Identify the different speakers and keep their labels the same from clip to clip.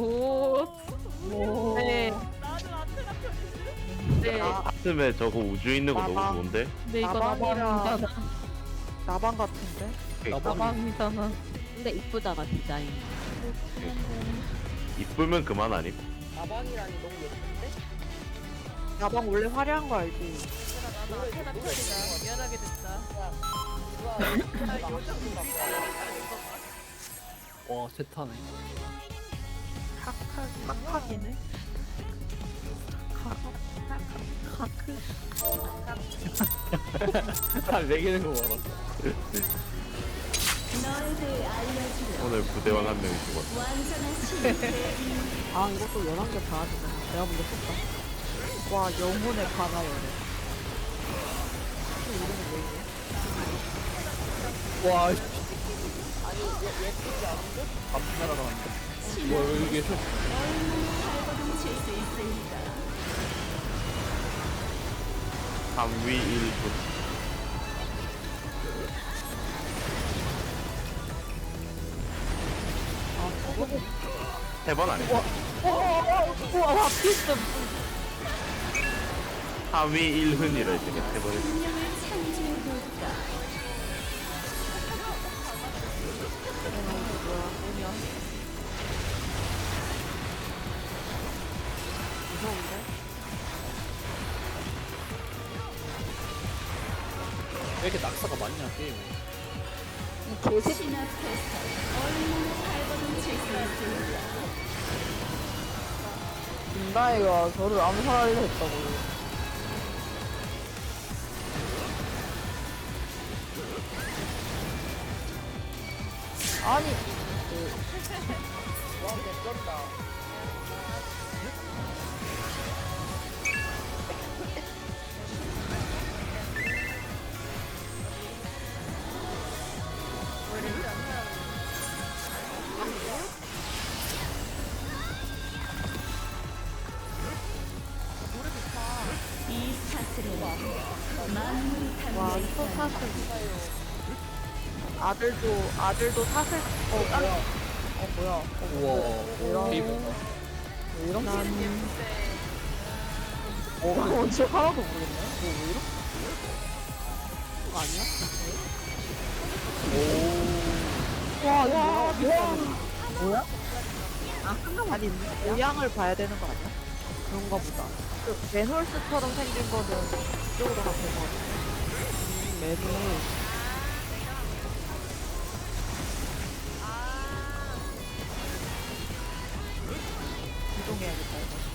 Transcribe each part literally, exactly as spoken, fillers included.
Speaker 1: 오.
Speaker 2: 오.
Speaker 1: 네.
Speaker 3: 나는 아테나 편이지.
Speaker 1: 네.
Speaker 4: 아침에 저거 우주 있는 거 너무
Speaker 2: 나방.
Speaker 4: 좋은데?
Speaker 1: 근데 이거
Speaker 2: 나방이라-
Speaker 1: 나방이잖아.
Speaker 2: 나방 같은데?
Speaker 1: 나방이잖아.
Speaker 5: 근데 이쁘다가 디자인.
Speaker 4: 이쁘면 그만 아님?
Speaker 6: 나방이라니 너무 예쁜데?
Speaker 2: 나방 원래 화려한 거 알지?
Speaker 3: 얘들아 나는 아테나 편이다. 미안하게 됐다.
Speaker 6: 누가
Speaker 3: 나
Speaker 6: 나
Speaker 3: 요정
Speaker 6: 요정 갖고 와
Speaker 7: 와 세타네.
Speaker 2: 깍하기네.
Speaker 7: 네 개는 거 봐라.
Speaker 4: 오늘 부대원 한 명이 죽었어.
Speaker 5: 아 이것도 열한 개 봐야 되네. 내가 먼저 썼다.
Speaker 2: 와, 영혼의 바나요네.
Speaker 7: 와
Speaker 6: 아니 얘 예쁘지 않은데?
Speaker 7: 밤새 날아가는데. 와 여기 계셔.
Speaker 4: 삼 위 일 분. 세 번 아니야?
Speaker 1: 우와, 와, 피스.
Speaker 4: 삼 위 일 흔이라 했으니까 세번 했어.
Speaker 7: 왜 이렇게 낙사가 많냐 게임에.
Speaker 2: 김다희가 저를 암살하려 했다고. 아니,
Speaker 6: 와 개쩐다.
Speaker 2: 와, 또 사슬. 아들도, 아들도 사슬, 어, 깜, 어, 뭐야. 어,
Speaker 7: 우와.
Speaker 2: 이런,
Speaker 7: 게임
Speaker 2: 왜 이런? 어, 언제 하나도 모르겠네. 뭐, 왜 이런? 그거 아니야? 와, 와, 뭐야? 뭐야? 아, 한강 아니, 모양을 봐야 되는 거 아니야? 그런가 보다. 그, 맨홀스처럼 생긴 거는 이쪽으로 가면 될것 같아. 맨홀. 이동해야겠다,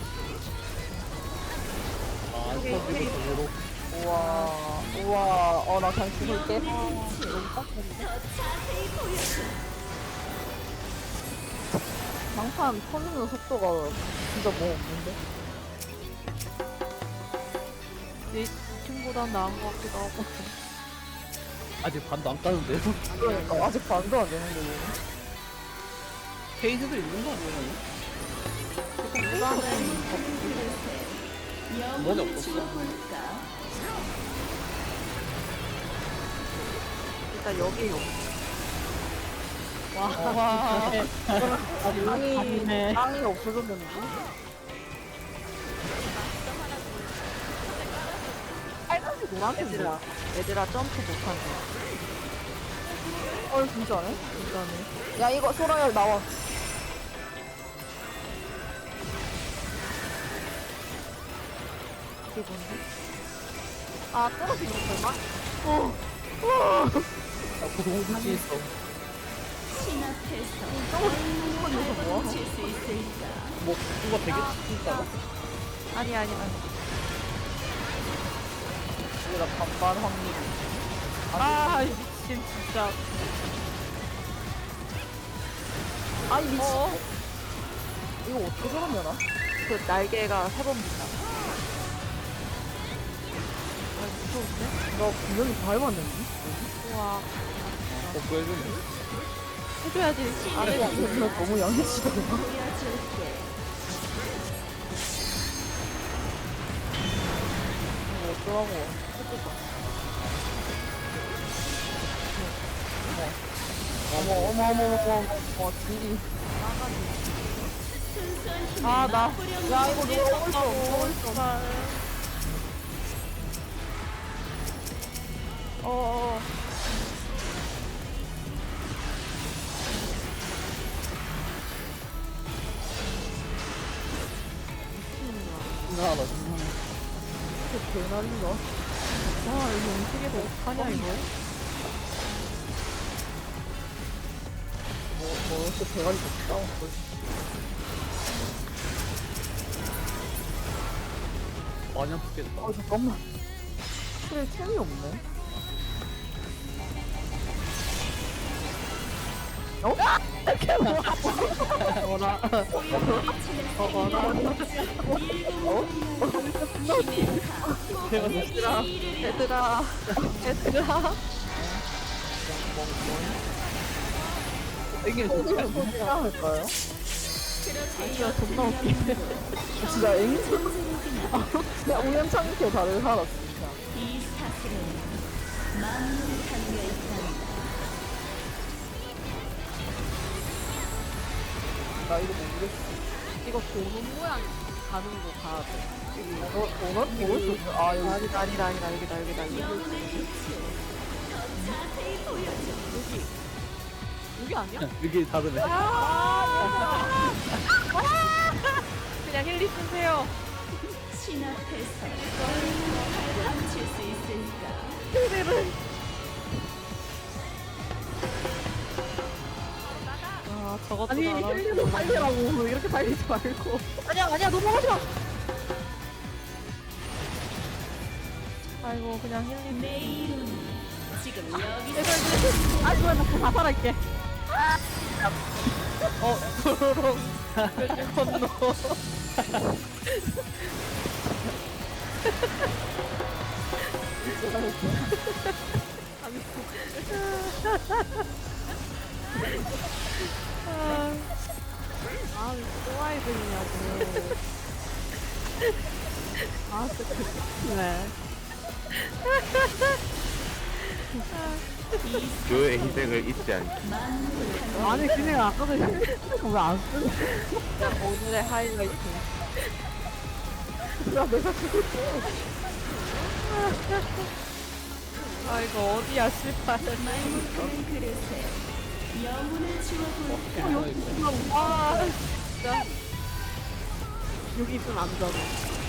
Speaker 2: 이거.
Speaker 7: 아
Speaker 2: 오케이,
Speaker 7: 스펀지부
Speaker 2: 오케이.
Speaker 7: 정으로.
Speaker 2: 우와, 우와, 어, 나 그냥 죽을게. 너무 빡센데? 장판 터지는 속도가 진짜 뭐 없는데? 내 친구보단 나은 것 같기도 하고.
Speaker 7: 아직 반도 안 까는데요?
Speaker 2: 그러니까, 아직 반도 안 되는데, 얘는.
Speaker 7: 페이지도 있는 거 아니야?
Speaker 2: 일단은,
Speaker 7: 뭐가 없었어?
Speaker 2: 일단 여기 요
Speaker 1: 와. 와.
Speaker 2: 땅이, 땅이 없어졌는데? 빨간색 노란색 얘들아, 얘들아 점프 못하네. 어, 진짜네? 진짜네. 야, 이거 소라열 나와. 이게 뭔데? 아, 떨어지는 건가? 어. 어.
Speaker 7: 나 고동국지 있어.
Speaker 2: 떨어지는 건 여기서 뭐야?
Speaker 7: 뭐 누가 되게 진짜.
Speaker 2: 아니, 아니, 아니. 여기다 반반 확률.
Speaker 1: 아, 미친, 진짜.
Speaker 2: 아니, 미친. 이거 어떻게 저러면아? 그 날개가 세 번 붙나? 아, 무서운데? 나 분명히 밟았는데? 우와.
Speaker 7: 어 보여주네.
Speaker 1: 해줘야지.
Speaker 2: 아니, 이거 너무 양해치다. 이거 어쩌라고. 해줘봐. 어머, 어머, 어머, 어머, 어머, 어머, 딜이.
Speaker 1: 아, 나.
Speaker 2: 야 이거 누가 먹을 수 없어.
Speaker 1: 어어.
Speaker 7: 이상하다 이상하네.
Speaker 2: 개나린가?
Speaker 1: 와, 이거 음식에도 어떡하냐, 이거?
Speaker 2: 뭐, 뭐, 이렇게 대가리 좀 싸웠어.
Speaker 7: 많이 아프겠다.
Speaker 2: 어, 잠깐만. 그래, 템이 없네. 어? 이렇게 뭐야?
Speaker 5: 어라. 어라.
Speaker 2: 어?
Speaker 7: 제가 너
Speaker 2: 얘들아, 얘들아, 얘들아.
Speaker 7: 이게 진짜
Speaker 2: 어떻게 할까요?
Speaker 5: 진짜 존나 웃기네.
Speaker 2: 진짜 앵무. 아, 진짜 우연찮게 다들 살았어, 진짜.
Speaker 8: 이 사슬은 만물에 담겨 있단다.
Speaker 2: 나 이거 모르겠어.
Speaker 5: 이거 도넛 모양 가는 거 가야 돼.
Speaker 2: 어, 도넛 먹을 수 있어? 아, 여기. 아니다, 아니다, 아니다, 여기다, 여기다, 여기다.
Speaker 8: 영혼의 빛을 더 자세히 보여줘.
Speaker 5: 여기 아니야?
Speaker 7: 여기 다르네.
Speaker 1: 그냥 힐리 쓰세요.
Speaker 8: 신 앞에서 얼마나 멈출 수 있을까?
Speaker 1: 아, 저것도
Speaker 2: 아니,
Speaker 1: 나라.
Speaker 2: 힐리도 살리라고. 이렇게 살리지 말고. 아니야, 아니야, 넘어가지 마.
Speaker 1: 아이고, 그냥 힐리.
Speaker 8: 내 이름은 지금 여기서
Speaker 2: 아, 이거 먹고 자살할게.
Speaker 1: 어, 도로롱. 건너.
Speaker 5: 아, 또 아이들이냐고. 아, 진짜 그네.
Speaker 4: 그의 희생을 잊지 않기.
Speaker 5: 아니, 그냥 아까도 왜안 쓰는
Speaker 2: 오늘의 하이라이트. 야, 내가 죽었어.
Speaker 1: 아, 이거 어디야, 씨발.
Speaker 8: 말못하는 그릇에 영혼을 주어볼까?
Speaker 1: 아, 진짜.
Speaker 5: 여기 있으면 안 되잖아.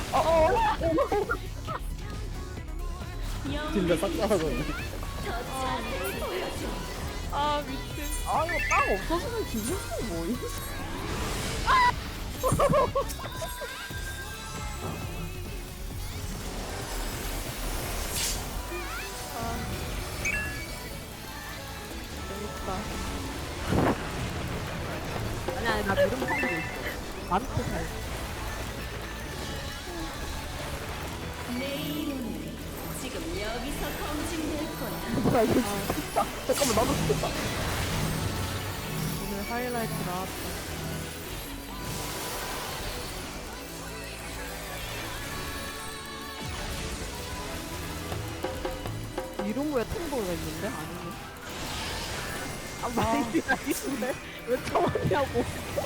Speaker 7: 진짜 싹 따라가네.
Speaker 8: 더 자세히 보여줘.
Speaker 1: 아, 미친.
Speaker 2: 아, 이거 빵 없어지면 기분이 뭐임?
Speaker 5: 아니, 아니, 나 이름 하는 게 있어. 많고 잘.
Speaker 8: 내 이름은 지금 여기서 검증될 거야.
Speaker 2: 나 이거 죽겠다. 잠깐만, 나도 죽겠다.
Speaker 1: 오늘 하이라이트 나왔다.
Speaker 5: 이런 거에 통보가 있는데? 아니네.
Speaker 2: 아, 마이디 나이스인데? 왜 처음이냐고.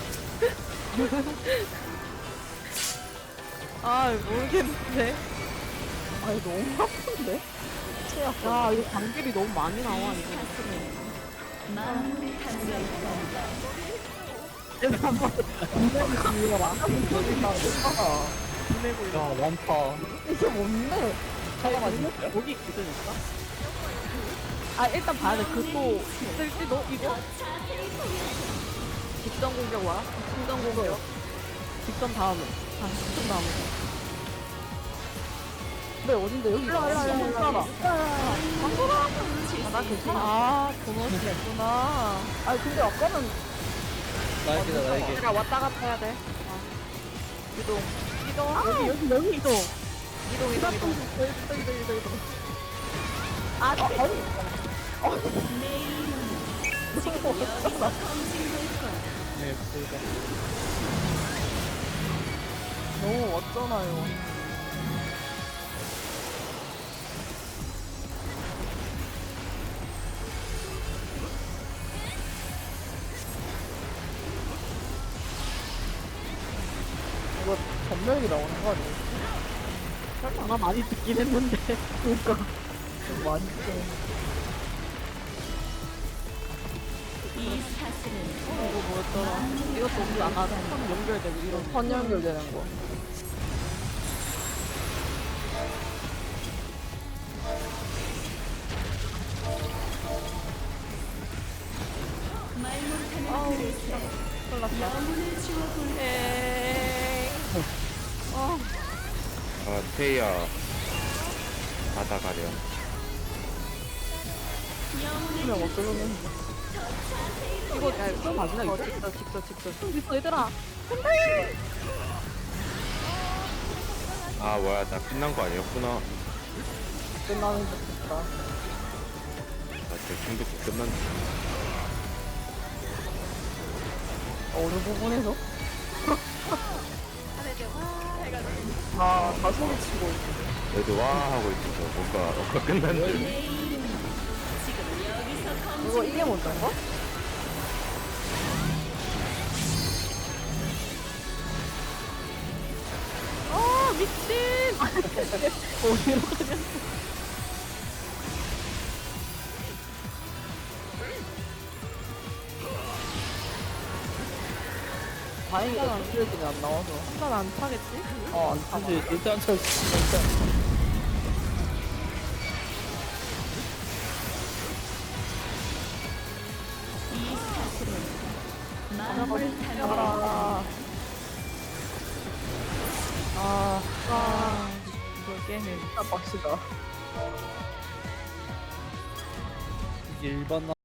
Speaker 1: 아, 모르겠는데.
Speaker 2: 아니, 너무 아픈데? 최악.
Speaker 5: 야, 이거 방길이 너무 많이 나와,
Speaker 8: 이
Speaker 5: 이거.
Speaker 8: 사슬은 만물에 담겨 있단다.
Speaker 2: 얘들 한 번, 분명히 죽여라. 여기 나, 아,
Speaker 7: 야 많다.
Speaker 2: 이게 뭔데?
Speaker 7: 잠깐만.
Speaker 5: 여기 있으니까? 아, 일단 봐야 돼. 그 또, 있을지도? 이거? 직전 공격 와라? 직전 공격. 직전 다음에. 아, 직전 다음에.
Speaker 2: 네, 어딘데? 여기. 일로 와, 일로 와, 일로 와.
Speaker 5: 아, 나 괜찮아.
Speaker 1: 아, 도넛이 있구나.
Speaker 2: 아, 근데 아까는
Speaker 7: 나에게다 나에게.
Speaker 1: 내가 왔다 갔다 해야 돼. 이동. 이동.
Speaker 5: 여기, 여기, 여기 이동.
Speaker 1: 이동, 이동, 이동.
Speaker 2: 이거, 이거, 이거, 이거. 아, 아, 아니.
Speaker 8: 내 이름은 지금 여기서 검증될 거야.
Speaker 7: 네, 그러니까.
Speaker 2: 너무 왔잖아요.
Speaker 5: 이거 전멸기 나오는 거 아니야? 설마 많이 듣긴 했는데. 그니까. 많이 듣긴
Speaker 8: 이 사슬은
Speaker 5: 이거 뭐였더라? 이것도 우리 아까 선 연결되고 이런 선 연결되는 거.
Speaker 8: 말 못하는 그릇에 영혼을 주어볼
Speaker 4: 아 테이야 받아가려.
Speaker 5: 그냥 어쩌면 이거 이거 맞나 이거?
Speaker 2: 직접 직접 직접.
Speaker 5: 좀 있어 얘들아.
Speaker 4: 아 뭐야 나 끝난 거 아니었구나.
Speaker 5: 끝나는 것 같다.
Speaker 4: 나 지금 중독 끝난.
Speaker 5: 어느 부분에서?
Speaker 3: 하늘 좀 해가지고.
Speaker 5: 다, 다 소리치고 있어.
Speaker 4: 애들 와 하고 있어서 뭔가 뭔가 끝난 줄.
Speaker 8: 지금 여기서 검
Speaker 5: 이거 이게 뭔가?
Speaker 3: 어 미친.
Speaker 5: 어디로 가냐? 다행이다. 스트레스는 안 나와서.
Speaker 3: 한번 안 타겠지?
Speaker 5: 어, 안 타지.
Speaker 7: 근데 일단 저 일단
Speaker 8: 이 사슬은 마음을 타는
Speaker 5: 아, 아,
Speaker 2: 아 이걸 깨네.
Speaker 5: 진짜 빡시다.
Speaker 7: 이게 일반